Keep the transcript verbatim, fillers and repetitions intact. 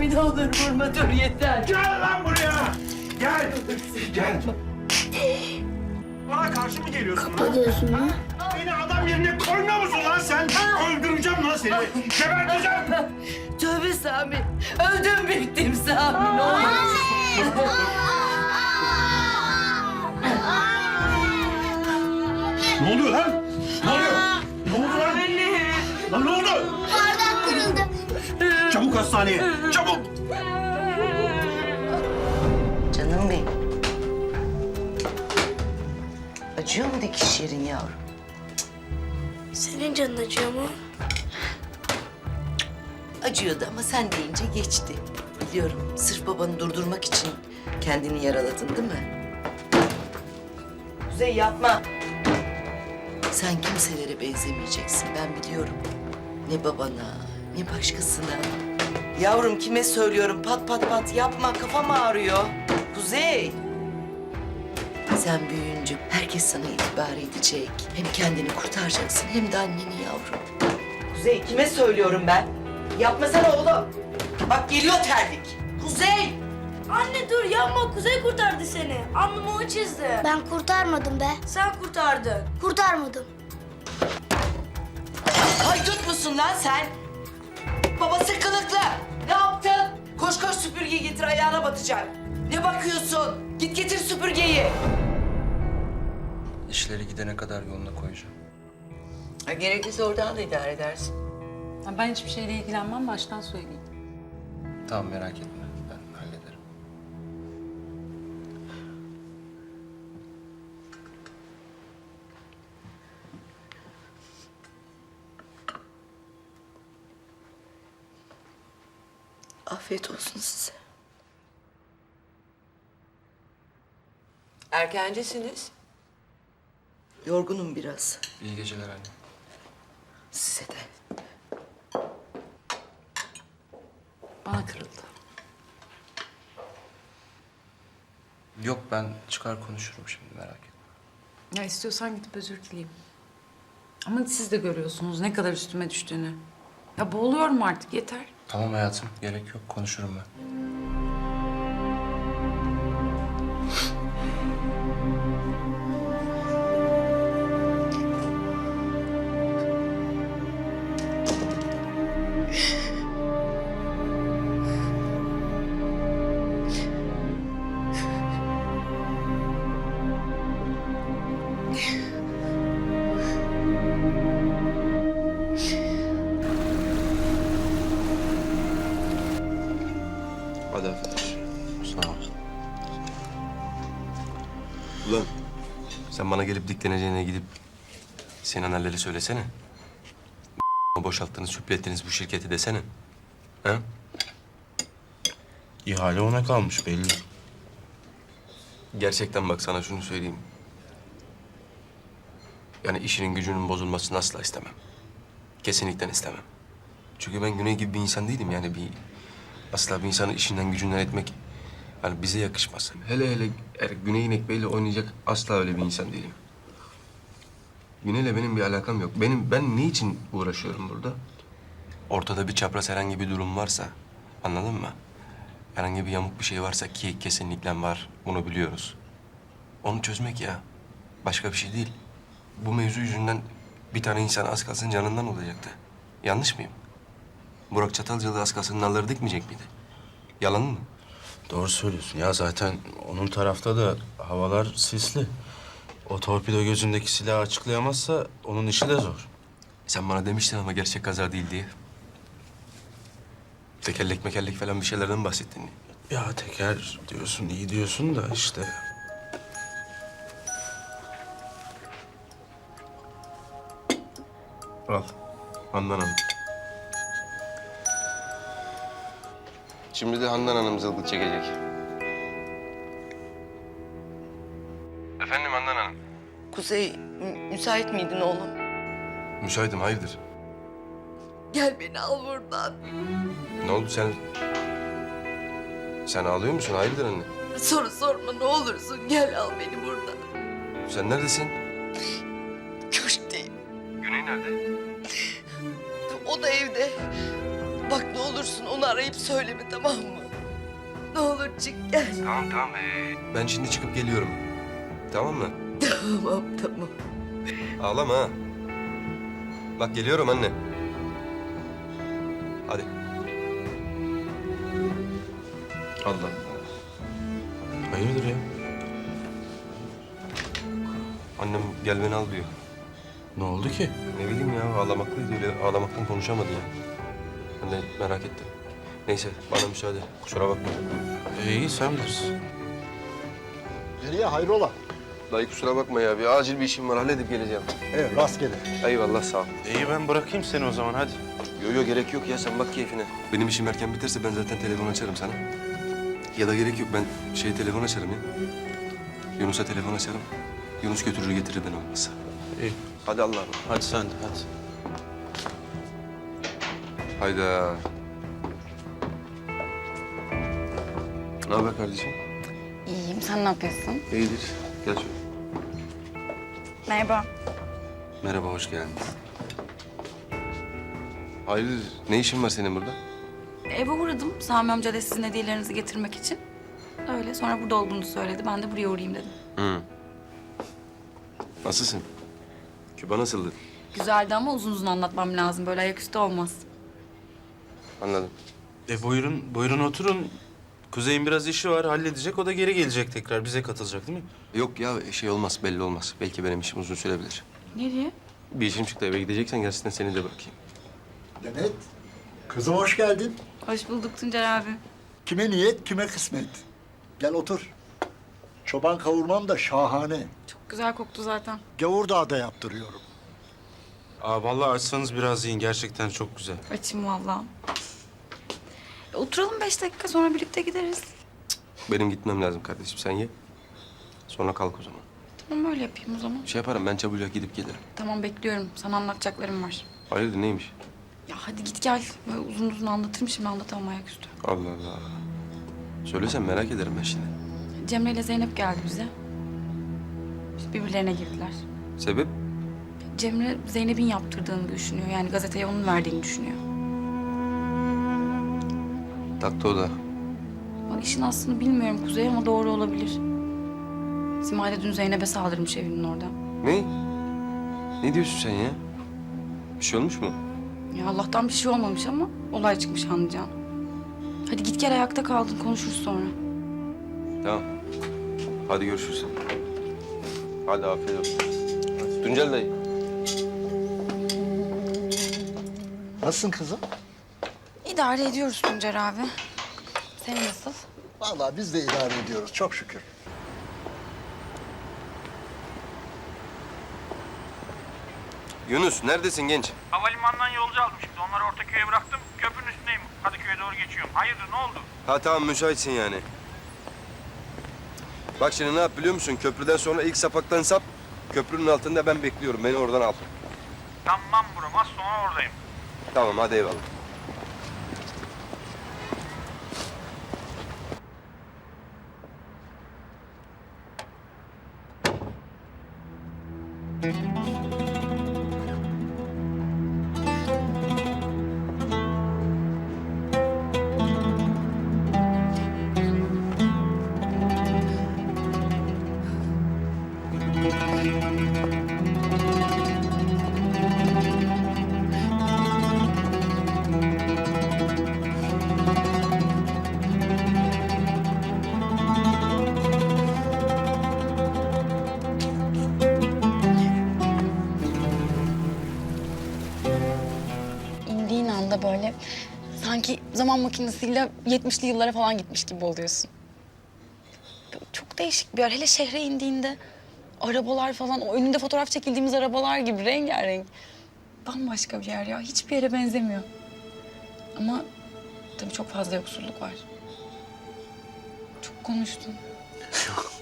Sami ne olur vurma, dur yeter. Gel lan buraya! Gel! Gel! Bana karşı mı geliyorsun lan? Kapatıyorsun ha? Beni adam yerine koymuyor musun lan sen? Öldüreceğim lan seni! Geberteceğim! Tövbe Sami. Öldüm bittim Sami, ne olur. Ne oluyor lan? Ne oluyor? Ne oldu lan? Lan ne oldu? Bardak kırıldı. Çabuk hastaneye! Çabuk! Canım benim. Acıyor mu dikiş yerin yavrum? Senin canın acıyor mu? Acıyordu ama sen deyince geçti. Biliyorum, sırf babanı durdurmak için kendini yaraladın değil mi? Kuzey yapma. Sen kimselere benzemeyeceksin, ben biliyorum. Ne babana, ne başkasına. Yavrum kime söylüyorum, pat pat pat yapma, kafam ağrıyor. Kuzey. Sen büyüyünce herkes sana itibar edecek. Hem kendini kurtaracaksın hem de anneni yavrum. Kuzey kime söylüyorum ben? Yapmasana oğlum. Bak geliyor terlik. Kuzey! Anne dur yapma, Kuzey kurtardı seni. Alnımı o çizdi. Ben kurtarmadım be. Sen kurtardın. Kurtarmadım. Haydut musun lan sen? Babası kılıklı. Ne yaptın? Koş koş süpürgeyi getir, ayağına batacak. Ne bakıyorsun? Git getir süpürgeyi. İşleri gidene kadar yoluna koyacağım. Ha, gerekirse oradan da idare edersin. Ha, ben hiçbir şeyle ilgilenmem, baştan söyleyeyim. Tamam merak etme. Ben hallederim. Afiyet olsun size. Erkencisiniz. Yorgunum biraz. İyi geceler anne. Size de. Bana kırıldı. Yok ben çıkar konuşurum şimdi merak etme. Ya istiyorsan gidip özür dileyeyim. Ama siz de görüyorsunuz ne kadar üstüme düştüğünü. Ya boğuluyorum artık, yeter. Tamam hayatım gerek yok konuşurum ben. Hadi affedersin. Sağ ol. Ulan sen bana gelip dikleneceğine gidip Sinan Halil'e söylesene. Boşalttınız, süplettiniz bu şirketi desene. Ha? İhale ona kalmış belli. Gerçekten bak sana şunu söyleyeyim. Yani işinin gücünün bozulmasını asla istemem. Kesinlikle istemem. Çünkü ben Güney gibi bir insan değilim yani bir... Asla bir insanın işinden gücünden etmek hani bize yakışmaz. Hele hele er, Güney'in ekmeğiyle oynayacak asla öyle bir insan değilim. Güney'le benim bir alakam yok. Benim ben ne için uğraşıyorum burada? Ortada bir çapraz herhangi bir durum varsa, anladın mı? Herhangi bir yamuk bir şey varsa ki kesinlikle var, bunu biliyoruz. Onu çözmek ya. Başka bir şey değil. Bu mevzu yüzünden bir tane insan az kalsın canından olacaktı. Yanlış mıyım? Burak Çatalcalı az kalsın nalları dikmeyecek miydi? Yalan mı? Doğru söylüyorsun. Ya zaten onun tarafta da havalar sisli. O torpido gözündeki silahı açıklayamazsa onun işi de zor. Sen bana demiştin ama gerçek kaza değil diye. Tekerlek mekerlek falan bir şeylerden bahsettin. Ya teker diyorsun, iyi diyorsun da işte. Al. Handan Hanım. Şimdi de Handan Hanım zılgıt çekecek. Efendim Handan Hanım. Kuzey, mü- müsait miydin oğlum? Müsaitim, hayırdır? Gel beni al buradan. Ne oldu sen? Sen ağlıyor musun? Hayırdır anne? Soru sorma ne olursun, gel al beni buradan. Sen neredesin? Köşkteyim. Güney nerede? O da evde. Bak ne olursun onu arayıp söyleme, tamam mı? Ne olur çık gel. Tamam tamam. Ee, ben şimdi çıkıp geliyorum. Tamam mı? Tamam tamam. Ağlama ha. Bak geliyorum anne. Hadi. Allah. Hayırdır ya? Annem gel beni al diyor. Ne oldu ki? Ne bileyim ya ağlamaklıydı öyle. Ağlamaktan konuşamadı ya. Ben de merak ettim. Neyse bana müsaade. Kusura bakma. E, iyi sen bilirsin. Nereye hayrola? Dayı kusura bakma ya. Bir acil bir işim var. Halledip geleceğim. Evet rastgele. Eyvallah sağ ol. İyi ben bırakayım seni o zaman hadi. Yo yo gerek yok ya. Sen bak keyfine. Benim işim erken biterse ben zaten telefon açarım sana. Ya da gerek yok. Ben şey telefon açarım ya. Yunus'a telefon açarım. Yunus götürür getirir beni olmazsa. İyi. Hadi Allah'a emanet. Hadi sen de hadi. Hayda. Ne haber kardeşim? İyiyim. Sen ne yapıyorsun? İyidir. Gel şöyle. Merhaba. Merhaba, hoş geldin. Hayırdır, ne işin var senin burada? Eve uğradım. Sami amca da sizin hediyelerinizi getirmek için. Öyle. Sonra burada olduğunu söyledi. Ben de buraya uğrayayım dedim. Hı. Nasılsın? Küba nasıldı? Güzeldi ama uzun uzun anlatmam lazım. Böyle ayaküstü olmaz. Anladım. E buyurun, buyurun oturun. Kuzey'in biraz işi var, halledecek. O da geri gelecek tekrar. Bize katılacak değil mi? Yok ya, şey olmaz, belli olmaz. Belki benim işim uzun sürebilir. Nereye? Bir işim çıktı, eve gideceksen gerçekten seni de bırakayım. Demet, kızım hoş geldin. Hoş bulduk Tuncer abi. Kime niyet, kime kısmet. Gel otur. Çoban kavurmam da şahane. Çok güzel koktu zaten. Gavurdağ'da yaptırıyorum. Aa vallahi açsanız biraz yiyin. Gerçekten çok güzel. Açım vallahi. E, oturalım beş dakika sonra birlikte gideriz. Benim gitmem lazım kardeşim, sen ye. Sonra kalk o zaman. Tamam öyle yapayım o zaman. Şey yaparım, ben çabucak gidip gelirim. Tamam bekliyorum. Sana anlatacaklarım var. Hayırdır, neymiş? Ya hadi git gel. Böyle uzun uzun anlatırım şimdi anlatamam ayaküstü. Allah Allah. Söylesen merak ederim ben şimdi. Cemre ile Zeynep geldi bize. İşte birbirlerine girdiler. Sebep? Cemre Zeynep'in yaptırdığını düşünüyor. Yani gazeteye onun verdiğini düşünüyor. Taktı o da. Bak işin aslını bilmiyorum Kuzey ama doğru olabilir. Simay da dün Zeynep'e saldırmış evinin orada. Ne? Ne diyorsun sen ya? Bir şey olmuş mu? Ya Allah'tan bir şey olmamış ama olay çıkmış anlayacağın. Hadi git gel ayakta kaldın konuşuruz sonra. Tamam. Hadi görüşürüz. Hadi afiyet olsun. Tuncel dayı. Nasılsın kızım? İdare ediyoruz Tuncer abi. Sen nasıl? Vallahi biz de idare ediyoruz, çok şükür. Yunus neredesin genç? Havalimanından yolcu aldım şimdi. Onları Ortaköy'e bıraktım. Köprünün üstündeyim. Kadıköy'e doğru geçiyorum. Hayırdır ne oldu? Ha tamam müsaitsin yani. Bak şimdi ne yap biliyor musun? Köprüden sonra ilk sapaktan sap. Köprünün altında ben bekliyorum. Beni oradan al. Tamam buram. Az sonra oradayım. Tamam hadi eyvallah. İndiğin anda böyle sanki zaman makinesiyle yetmişli yıllara falan gitmiş gibi oluyorsun. Böyle çok değişik bir yer. Hele şehre indiğinde arabalar falan, o önünde fotoğraf çekildiğimiz arabalar gibi rengarenk. Bambaşka bir yer ya. Hiçbir yere benzemiyor. Ama tabii çok fazla yoksulluk var. Çok konuştun. Yok.